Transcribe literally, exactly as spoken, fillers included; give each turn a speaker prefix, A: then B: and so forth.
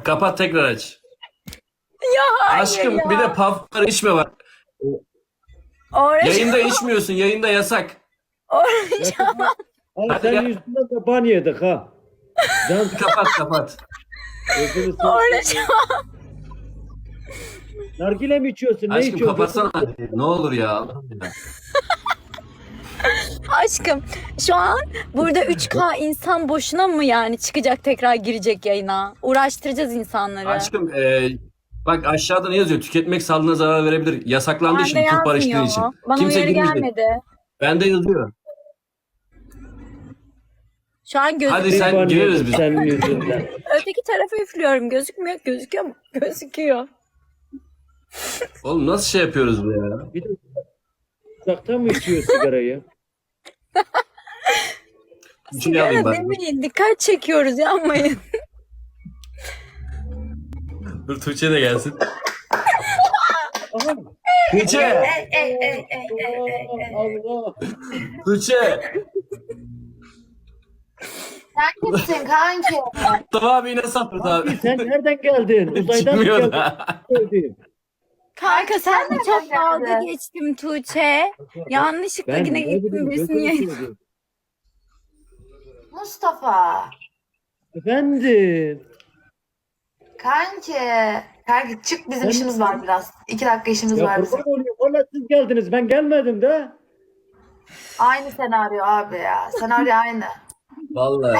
A: Kapat tekrar aç.
B: Ya hayır
A: Aşkım
B: ya.
A: bir de puffları içme bak.
B: Oraya
A: Yayında içmiyorsun. Yayında yasak.
B: oraya
C: Ay
A: Hadi
C: sen
A: gel.
C: yüzünden de ban yedik ha. Can
A: Kapat kapat.
C: gözünü
B: oraya
C: seveyim. Nargile mi içiyorsun? Ne
A: Aşkım
C: içiyorsun?
A: kapatsana. Ne olur ya.
B: Aşkım şu an burada üç K insan boşuna mı yani çıkacak tekrar girecek yayına? Uğraştıracağız insanları.
A: Aşkım e, bak aşağıda ne yazıyor? Tüketmek sağlığına zarar verebilir. Yasaklandığı için,
B: Bende
A: Türk barıştığı
B: yazmıyor.
A: için.
B: Bana
A: Kimse
B: uyarı
A: girmeyecek.
B: gelmedi.
A: Bende yazıyor.
B: Şu an gözükmüyor.
A: Hadi sen
C: ban
A: gireriz
C: yedik
A: biz.
C: senin yüzünden.
B: Öteki tarafa üflüyorum. Gözükmüyor. Gözüküyor mu? Gözüküyor.
A: Oğlum nasıl şey yapıyoruz bu ya?
C: Bir de uzaktan mı içiyor sigarayı?
A: Şunu alayım
B: Sigara
A: ben.
B: demeyin. Dikkat çekiyoruz. Yanmayın.
A: Dur Tuğçe de gelsin.
C: Aha.
A: Tuğçe!
B: Ey, ey, ey, ey, ey, ey, ey.
C: Allah.
A: Tuğçe!
D: Sen kimsin kanki?
A: Mustafa abi yine sapırdı
C: Abi
A: abi.
C: sen nereden geldin? Uzaydan mı
A: Çıkmıyor
C: geldin?
A: da.
C: Geldin.
B: Kanka sen de
D: nereden
B: çok dalga
D: geldin?
B: geçtim Tuğçe. Yanlışlıkla
C: Ben
B: yine
C: ne
B: gittim
C: bileyim
B: birisinin
C: gözünü
B: yayına.
C: seveyim.
D: Mustafa.
C: Efendim.
D: Kanki. Kanki çık bizim
C: Ben-
D: işimiz var biraz. İki dakika işimiz
C: Ya
D: var bizim.
C: kurban olayım. Valla siz geldiniz. Ben gelmedim de.
D: Aynı senaryo abi ya. Senaryo aynı.
A: Vallahi.